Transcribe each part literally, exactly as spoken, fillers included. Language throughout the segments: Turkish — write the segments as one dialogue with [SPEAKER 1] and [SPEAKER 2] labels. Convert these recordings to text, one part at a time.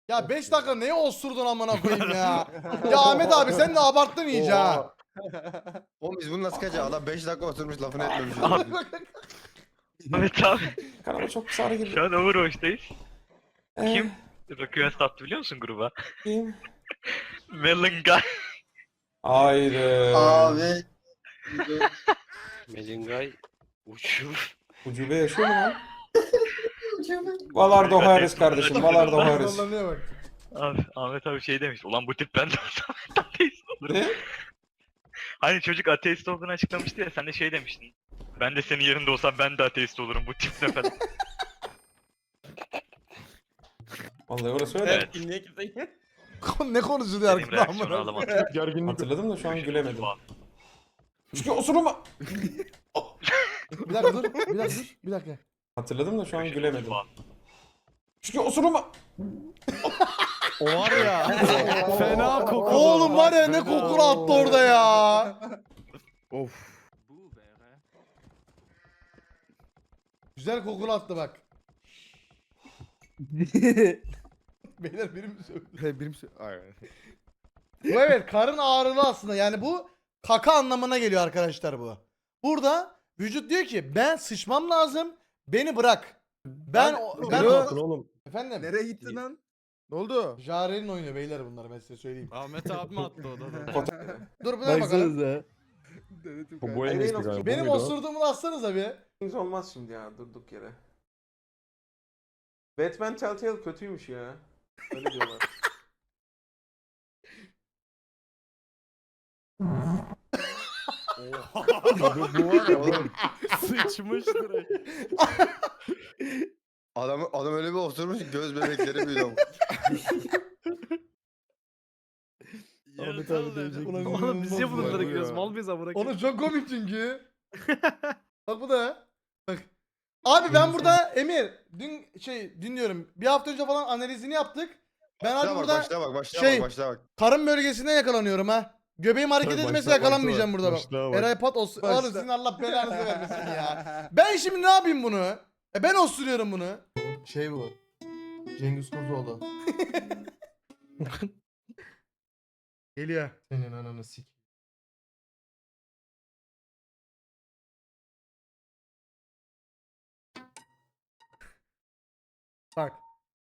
[SPEAKER 1] Ya beş dakika neye osurdun amına koyayım ya? Ya Ahmet abi sen de abarttın iyice ha.
[SPEAKER 2] Oğlum biz bunu nasıl kaçacağız? Adam beş dakika oturmuş lafını etmemiş.
[SPEAKER 3] Ahmet abi
[SPEAKER 4] Kanama çok kısa ara girdi.
[SPEAKER 3] şu an Overwatch'tayız.
[SPEAKER 4] Eh,
[SPEAKER 3] Kim request attı biliyor musun gruba?
[SPEAKER 4] Kim?
[SPEAKER 3] Melon Guy.
[SPEAKER 4] Haydi.
[SPEAKER 2] Abi.
[SPEAKER 5] Melingay uçuyor.
[SPEAKER 4] Ucube yaşıyor mu lan? Valardo Harris kardeşim. Valardo Harris.
[SPEAKER 1] Sallanıyor bak.
[SPEAKER 3] Abi Ahmet abi şey demiş. Ulan bu tip ben de olsam ateist olurum.
[SPEAKER 4] Ne?
[SPEAKER 3] Hani çocuk ateist olduğunu açıklamıştı ya sen de şey demiştin. Ben de senin yerinde olsam ben de ateist olurum bu tip ne falan.
[SPEAKER 4] Vallahi orası öyle.
[SPEAKER 3] Evet.
[SPEAKER 5] Niye kimse
[SPEAKER 1] Ne konuşuluyor
[SPEAKER 3] Benim
[SPEAKER 1] arkada
[SPEAKER 3] reaksiyonu
[SPEAKER 1] amına?
[SPEAKER 3] alamadım.
[SPEAKER 6] Gerginlik.
[SPEAKER 4] Hatırladım da şu an gülemedim. Çünkü osuruma.
[SPEAKER 1] Bir dakika dur. Bir dakika dur. Bir dakika.
[SPEAKER 4] Hatırladım da şu an gülemedim. Çünkü osuruma.
[SPEAKER 6] O var ya. Fena koku.
[SPEAKER 1] Oğlum var ya ne kokulu attı orada ya.
[SPEAKER 6] Of.
[SPEAKER 1] Güzel kokulu attı bak. Beyler biri mi söyledi?
[SPEAKER 6] Birim Aynen.
[SPEAKER 1] Bu evet karın ağrılı aslında yani bu kaka anlamına geliyor arkadaşlar bu. Burada vücut diyor ki ben sıçmam lazım beni bırak. Ben o- ben
[SPEAKER 6] Bakın
[SPEAKER 1] o-
[SPEAKER 6] oğlum.
[SPEAKER 1] efendim.
[SPEAKER 6] Nereye gittin lan? Ne oldu?
[SPEAKER 1] Jare'nin oynuyor beyler bunlar ben size söyleyeyim.
[SPEAKER 6] Ahmet abi mi attı odada?
[SPEAKER 1] Dur buna bakalım.
[SPEAKER 6] Bu bu en iyisi
[SPEAKER 4] Benim
[SPEAKER 6] galiba.
[SPEAKER 1] Benim
[SPEAKER 6] Bu muydu?
[SPEAKER 1] osurduğumu da atsanıza bir.
[SPEAKER 4] Hiç olmaz şimdi ya durduk yere. Batman Telltale kötüymüş ya. Öyle diyorlar.
[SPEAKER 6] bu, bu var ya oğlum. Sıçmış direkt.
[SPEAKER 2] Adam, adam öyle bir oturmuş ki göz bebekleri büyüdü ama.
[SPEAKER 6] Ahmet abi diyecek.
[SPEAKER 1] Ulan
[SPEAKER 7] Oğlum biz niye
[SPEAKER 1] inanılmaz
[SPEAKER 7] bunları
[SPEAKER 1] ya.
[SPEAKER 7] gülüyoruz? Mal mıyız amına koyayım?
[SPEAKER 1] Onu çok komik çünkü. Bak bu da. Bak. Abi ben burada Emir dün şey dinliyorum. Bir hafta önce falan analizini yaptık. Ben abi
[SPEAKER 2] Başla bak,
[SPEAKER 1] burada
[SPEAKER 2] başla bak, başla
[SPEAKER 1] şey-
[SPEAKER 2] bak, başla bak.
[SPEAKER 1] karın bölgesinden yakalanıyorum ha. Göbeğim hareket
[SPEAKER 6] Tabii,
[SPEAKER 1] etmesi
[SPEAKER 6] başla,
[SPEAKER 1] yakalanmayacağım
[SPEAKER 6] başla,
[SPEAKER 1] burada bak.
[SPEAKER 6] başla bak.
[SPEAKER 1] Eray Pat os
[SPEAKER 6] Başla.
[SPEAKER 1] Oğlum sizin Allah belanızı vermesin ya. Ben şimdi ne yapayım bunu? E ben osuruyorum bunu. Şey bu. Cengiz Kurtoğlu. Geliyor. Senin ananı sik. Bak.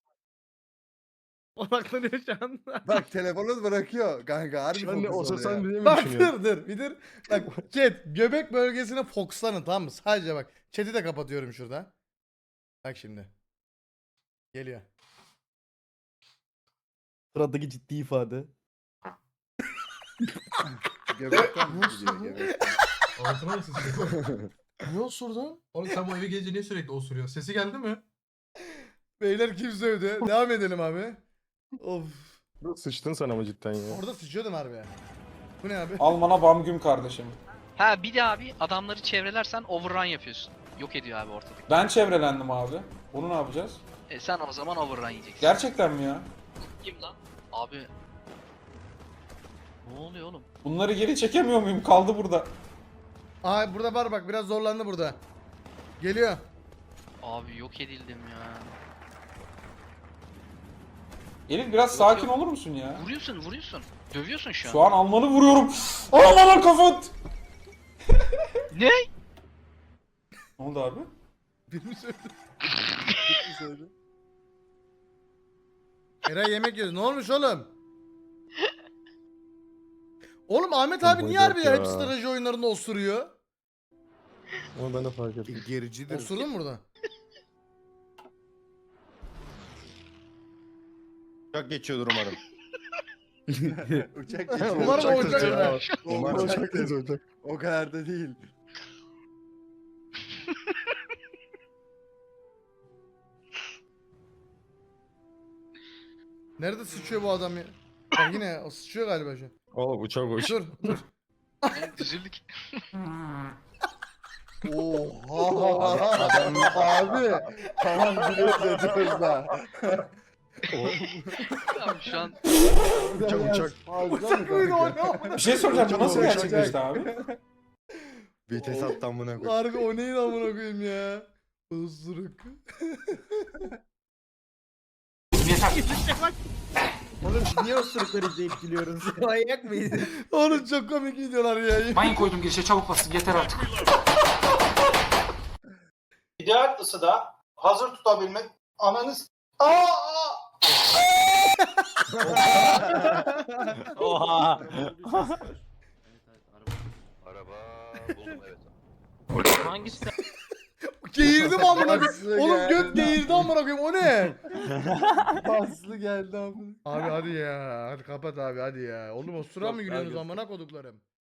[SPEAKER 7] Odaklanıyor şu an.
[SPEAKER 8] Bak telefonu bırakıyor kanka harbi
[SPEAKER 6] Ben de
[SPEAKER 8] fokus
[SPEAKER 6] osursan
[SPEAKER 8] oluyor.
[SPEAKER 6] diye mi
[SPEAKER 1] Bak
[SPEAKER 6] düşünüyorsun?
[SPEAKER 1] dur dur bir dur. Bak chat göbek bölgesine fokuslanın tamam mı? Sadece bak. Chat'i de kapatıyorum şurada. Bak şimdi. Geliyor.
[SPEAKER 7] Sıradaki ciddi ifade.
[SPEAKER 8] Göbekten mi gidiyor göbekten?
[SPEAKER 9] Altına mı sıçıyor?
[SPEAKER 1] Ne osurdun?
[SPEAKER 9] Oğlum sen bu eve gelince niye sürekli osuruyorsun? Sesi geldi mi?
[SPEAKER 1] Beyler kim sövdü? Devam edelim abi. Of.
[SPEAKER 6] Sıçtın sen ama cidden ya.
[SPEAKER 1] Orada sıçıyordum harbi. Bu ne abi?
[SPEAKER 4] Almana Bamgüm kardeşim.
[SPEAKER 10] Ha bir de abi adamları çevrelersen overrun yapıyorsun. Yok ediyor abi ortadaki.
[SPEAKER 4] Ben çevrelendim abi. Onu ne yapacağız?
[SPEAKER 10] E sen o zaman overrun yiyeceksin.
[SPEAKER 4] Gerçekten mi ya?
[SPEAKER 10] Kim lan? Abi. Ne oluyor oğlum?
[SPEAKER 4] Bunları geri çekemiyor muyum? Kaldı burada.
[SPEAKER 1] Aa burada var bak biraz zorlandı burada. Geliyor.
[SPEAKER 10] Abi yok edildim ya.
[SPEAKER 4] Elif biraz
[SPEAKER 10] Yok,
[SPEAKER 4] sakin
[SPEAKER 10] yok.
[SPEAKER 4] olur musun ya?
[SPEAKER 10] Vuruyorsun vuruyorsun. Dövüyorsun şu an.
[SPEAKER 4] Şu an Alman'ı vuruyorum. Alman'a kafat.
[SPEAKER 10] Ne?
[SPEAKER 4] Ne oldu abi?
[SPEAKER 1] Bir mi sövdü? Eray yemek yiyoruz. Ne olmuş oğlum? Oğlum Ahmet abi niye harbi ya? Hep
[SPEAKER 6] Ya.
[SPEAKER 1] strateji oyunlarında osuruyor.
[SPEAKER 6] Onu ben de fark ettim.
[SPEAKER 8] Gericidir.
[SPEAKER 1] Osurdun mu burada?
[SPEAKER 2] Uçak geçiyordur umarım.
[SPEAKER 8] Uçak geçiyor.
[SPEAKER 1] Umarım o uçak
[SPEAKER 6] geçiyor.
[SPEAKER 1] ya.
[SPEAKER 2] Umarım.
[SPEAKER 6] Uçak teyze uçak.
[SPEAKER 8] O kadar da değil.
[SPEAKER 1] Nerede sıçıyor bu adam ya? Bak yine o sıçıyor galiba şu an.
[SPEAKER 6] Oğlum uçak uç.
[SPEAKER 1] Dur dur.
[SPEAKER 10] Oğlum Düzüldük.
[SPEAKER 8] Oha. Adam abi. Tamam gülüyoruz ediyoruz da.
[SPEAKER 10] Abi şu an
[SPEAKER 2] Uçak uçak.
[SPEAKER 1] Uçak mıydı o ne amına?
[SPEAKER 4] Bir şey soracağım. Bu nasıl
[SPEAKER 8] Uçak.
[SPEAKER 4] gerçekleşti abi?
[SPEAKER 2] Vites attım buna koy.
[SPEAKER 1] Harbi o neyin amına koyayım ya? Osuruk.
[SPEAKER 6] yeter.
[SPEAKER 7] Oğlum niye osurukları izleyip gülüyoruz?
[SPEAKER 6] Manyak mıydın?
[SPEAKER 1] Oğlum çok komik videolar ya.
[SPEAKER 6] Mayın koydum girişe çabuk basın yeter artık.
[SPEAKER 5] İdeal ısıda hazır tutabilmek ananız. Aa!
[SPEAKER 6] Oha.
[SPEAKER 2] Araba buldum evet.
[SPEAKER 6] Hangisi?
[SPEAKER 1] Geğirdim amına koyayım.
[SPEAKER 8] Baslı
[SPEAKER 1] Oğlum
[SPEAKER 8] geldi.
[SPEAKER 1] göt geğirdi amına koyayım. O ne?
[SPEAKER 8] Baslı geldi amına.
[SPEAKER 1] Abi hadi ya. Hadi kapat abi hadi ya. Oğlum o sıra mı
[SPEAKER 4] Yok,
[SPEAKER 1] gülüyorsunuz
[SPEAKER 4] abi.
[SPEAKER 1] amına koduklarım?